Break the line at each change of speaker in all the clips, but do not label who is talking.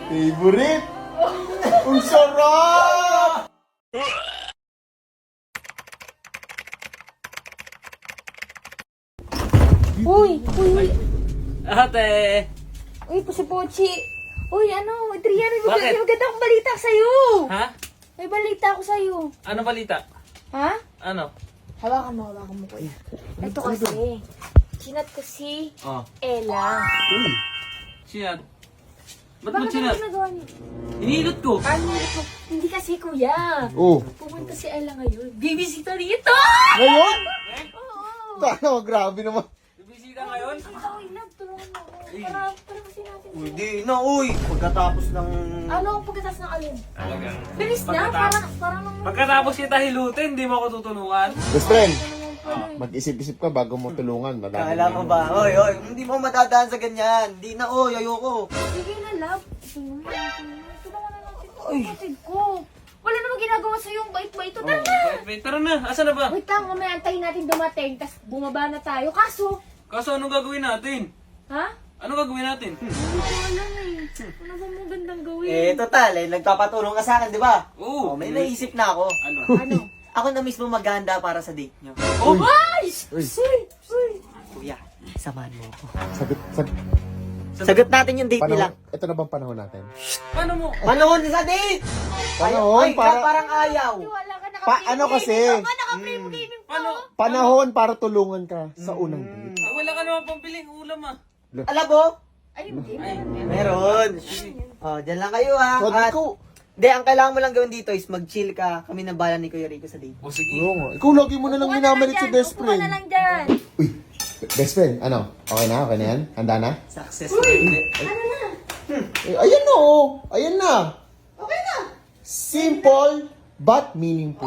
Favorite! Ang sarap!
Uy!
Ate!
Uy, Pochi! Uy, ano? Adrian,
Bakit?
may maganda akong balita sa'yo!
Ha?
May balita ako sa'yo.
Ano balita?
Ha?
Ano?
Hawakan mo, kuya. Ito kasi, chinat ko si
Oh.
Ella.
Uy!
Sinat? Ba't mo
Bakit ano
sinat?
ginagawa niyo?
Hinilot ko.
Ano ito? Hindi kasi, kuya.
Oh!
Pumunta si Ella ngayon. Bibisita rito!
Ngayon?
Oo!
Ano, grabe naman.
Bibisita ngayon?
Bibisita ko, Inab. Tulungan mo ako. Para kasi natin.
Hindi na, uy. Pagkatapos ng...
Ano ang pagkatas ng alin?
Talagang.
Bilis na, parang nang...
Pagkatapos kita hilutin, hindi mo ako tutulungan.
Best friend,
Ah.
mag-isip-isip ka bago mo tulungan. Madami
Kala
na
mo
yun.
ba? Oy, hindi mo matadaan sa ganyan. Hindi na, oy, ayoko.
Sige na, love. Tulungan na natin ito. Kapatid ko. Wala namang ginagawa sa'yo yung bait-bait. Ito, tara na.
Wait, tara na. Asan na ba?
Wait lang, mamaya antayin natin dumating, tapos bumaba na tayo. Kaso,
Kaso anong gagawin natin?
ha?
Anong gagawin natin?
Hindi ko alam eh. Ano ba mo gandang gawin?
Total, nagpapatulong ka sa akin, di ba?
Oo.
Oh, may naisip na ako.
Ano?
Ano?
Ako na mismo maganda para sa date nyo.
Oh!
Ay!
Uy.
Kuya, samahan mo ako.
Sagot.
Sagot natin yung date nila.
Panahon, ito na bang panahon natin?
Paano mo?
Panahon sa date!
Panahon
Ay,
para-
parang ayaw.
Wala ka naka-frame
Ano kasi?
gaming. Ako naka-frame gaming pa.
Paano?
Panahon para tulungan ka sa unang date.
Ah, wala ka naman pampiling ulam ah.
Alam mo?
Ay, hindi.
Ay,
Meron. Oh, dyan lang kayo ha.
So, di ko.
Hindi, ang kailangan mo lang gawin dito is mag-chill ka. Kami na bala ni Kuya Rico sa date.
o sige.
Oo nga. Ikaw lagi mo na lang
Upuan
minamalit si
dyan,
best
upuan na
friend.
lang dyan.
Uy, best friend, ano? Okay na? Okay na yan? Handa na?
Success.
Ano na?
Eh, ayan na oh! Ayan na!
Okay na.
Simple but meaningful.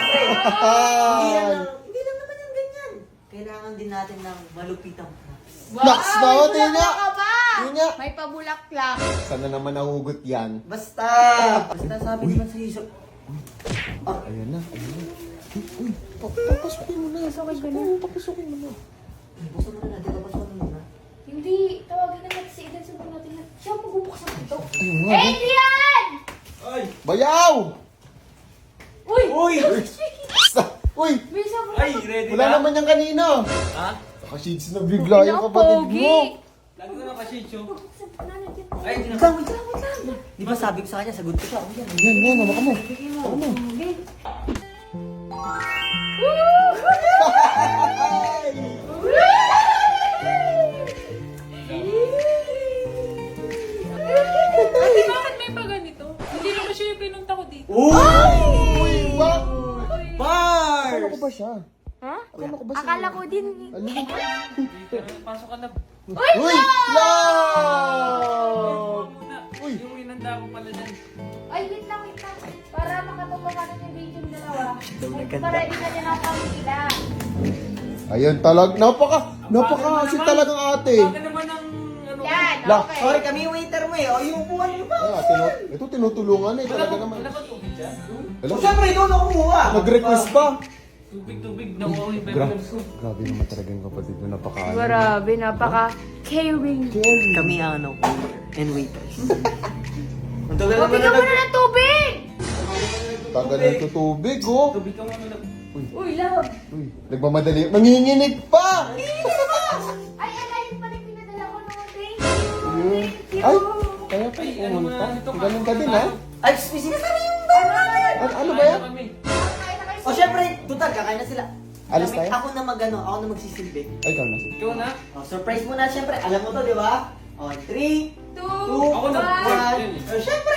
Hindi lang naman yung ganyan. Kailangan din natin ng malupitang props.
Naks na oh, tingnan nga!
Ka ba?
Tingnan nga!
May pabulaklak.
Sana naman nahugot yan.
Basta sabi naman sa isip.
Ayan na, ayan na. Uy, papasukin mo na. Oo, papasukin mo na.
Basta mo na, di ba basta mo na?
Hindi, tawagin na natin si Eden. Sabihin natin na siya magbubuksan ito.
Ayun nga.
Adrian!
Bayaw!
Uy!
Uy!
Uy,
May sabon
Ay,
ako.
ready
wala
na?
naman yung kanina.
Ha?
Nakashades na bigla yung kapatid mo.
Lagi ko na kasi show.
Buksan pa na natin.
Ay,
Wait lang, wait lang, wait lang. Di ba sabi ko sa kanya, sagot ko siya. Yan.
Yan, hawakan mo. Hawakan mo.
Okay.
Ate, bakit may pa ganito? Hindi naman siya yung pinunta ko dito.
Uy, bang!
Bars!
Akala ko ba siya?
Ha?
Akala ko ba siya?
Akala ko din.
Ano?
Pasok ka na.
Uy! Love!
Muna.
Uy!
Yung inanda ko pala dyan.
Ay, wait lang. Para makatotohanan yung video ng dalawa.
nagkanta.
Para hindi na niya ng pamilya.
Ayun napaka si talagang ate.
Bakit naman ang ano?
Yan,
La,
okay.
Sorry, kami yung waiter mo eh. O, yung upuan niyo pa.
Ito tinutulungan eh,
Wala
talaga
ba,
naman.
wala ba tubig dyan?
Hello?
Siyempre, ikaw na kumuha.
Nag-request pa.
Tubig, nakuha ko yung
Gra
pepper ko.
grabe naman talaga yung kapatid mo, napaka-ano.
Grabe, napaka-caring.
Kami ang ano, and waiters. Ang tagal naman
Bigyan mo na ng tubig!
Tagal na ito tubig, oh.
Tubig ka muna.
Uy, love.
Uy, nagmamadali. Nanginginig pa!
Ay, alayin pala yung pinadala ko naman. Thank you.
Yun.
Thank you.
Ay, kaya pa
Ay,
yung
ano
pumunta.
nga, ito ka.
Ganun ka din, ha?
Ay, sinasabi yung
Ano ba yan?
Kami.
O, syempre, tutal, kakain na sila.
Alis tayo?
Ako na ako na magsisilbi.
Ay, ikaw na.
Ikaw na?
O, surprise muna, syempre. Alam mo to, di ba? O, 3, 2,
Ako na.
1. O, syempre.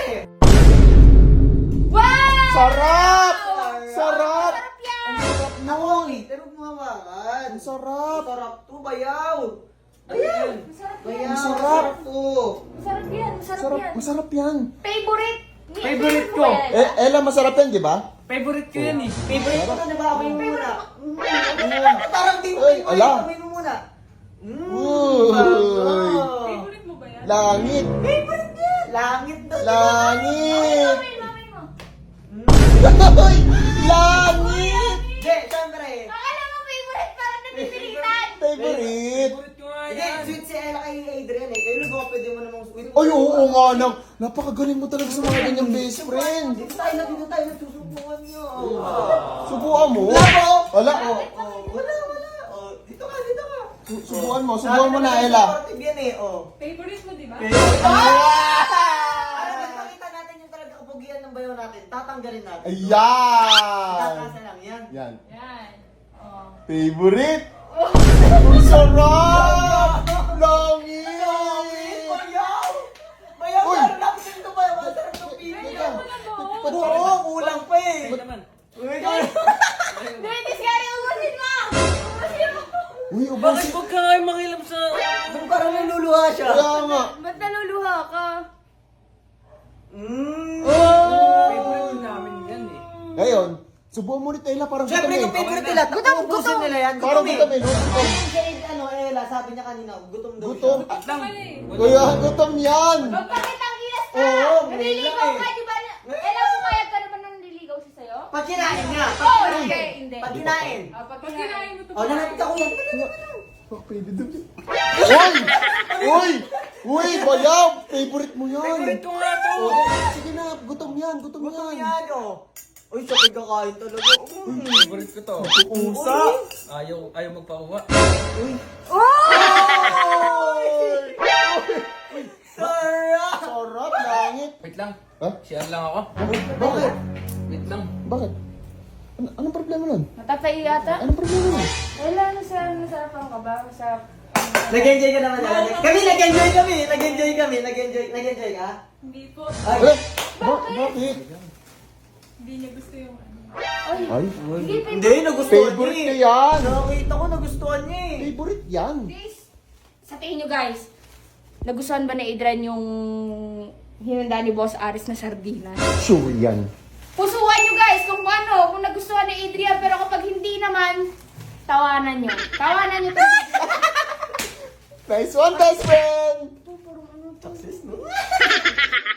Wow!
Sarap! Sarap!
Sarap yan!
Ang sarap
Ako,
nun!
waiter, huwag mo hawakan.
Ang sarap!
Sarap to, bayaw. Ayan.
Masarap
Bayaw,
yan.
Sarap.
sarap to.
Masarap yan. Masarap
Sarap,
yan.
masarap yan.
Favorite.
Favorite ko.
mo ba yan?
Ella, masarap yan, di ba?
Favorite ko yan eh.
Favorite ko to, di ba? Amoy mo muna. Parang di mo
Ay,
favorite.
ala.
Amoy mo muna.
Uy!
Favorite mo ba yan?
Langit!
Favorite niya. Langit daw.
Langit!
Mamay mo.
Uy! Langit!
Hindi, syempre.
Akala mo favorite parang napipilitan.
Favorite!
Favorite ko nga
Hindi,
yan.
sweet si Ella kay Adrian eh. Kayo nag pwede mo namang sweet.
Ay, oo nga nang. Napakagaling mo talaga sa mga ganyang best friend.
Dito tayo nagsusubukan niyo.
Subukan mo.
Wala po.
Wala,
Wala. Oh, dito ka.
Subukan mo na, Ella.
Supportive yan eh,
Favorite mo, di ba?
Para magpakita natin yung talaga kapugian ng bayo natin, tatanggalin natin.
Ayan!
Tatasa lang yan.
Yan.
Yan. Oh.
Favorite? Ang sarap! Langit!
Bayaw!
Uy!
Bayaw! Lapit ito bayaw! Ang sarap ng pili! Oo, kulang pa eh!
naman.
Uy,
Dennis, kaya ubusin mo! Ubusin mo!
Uy,
Bakit
ubusin.
huwag ka kayo makilam sa...
Nung parang naluluha siya.
Kaya nga.
Ba't naluluha ka?
Favorite namin yan eh.
Ngayon, subukan mo ulit, Ella, parang
Siyempre yung
gutom
favorite nila, ubusin nila yan.
Parang
Gutom
gutom eh, no?
Yung shade, Ella, sabi niya kanina, gutom daw
Gutom.
siya.
Lang.
Kaya gutom yan!
Magpakitang gilas ka!
Oo,
Naliligaw
ngayon
ka,
eh.
di ba? Alam mo, mayag ka naman nung naliligaw siya sa'yo?
Pag kinain nga,
Oo,
pag
hindi,
kinain.
hindi.
Pag kinain.
Pag
Pag kinain mo ito,
Oh, nalapit ako yan.
Oh, pwede daw yan. Uy, bayaw! Favorite mo yan!
Favorite ko nga to.
Oh, sige na, gutom yan, gutom
Gutom
yan.
yan, Uy, sakit kakain talaga.
Favorite ko to.
Pusa!
Ayaw magpakuha.
Sarap!
Sarap, langit!
Wait lang.
Ha?
Share lang ako.
Bakit?
Wait lang.
Bakit? Anong problema nun?
Matapay yata?
Anong problema nun?
Wala, nasarapan ka ba? Masarap.
Nag-enjoy ka naman talaga. Kami, nag-enjoy kami. Nag-enjoy ka?
hindi po.
Eh, bakit?
Hindi niya gusto yung ano.
Ay,
Hindi, nagustuhan
favorite
niya
niya yan!
Nakita ko, nagustuhan niya eh.
Favorite yan!
Guys, sa tingin nyo guys, nagustuhan ba ni Adrian yung hinanda ni Boss Aris na sardinas?
Sure yan.
Pusuan nyo guys kung ano, kung nagustuhan ni Adrian, pero kapag hindi naman, tawanan nyo. Tawanan nyo.
Nice one, best friend!
Success, no?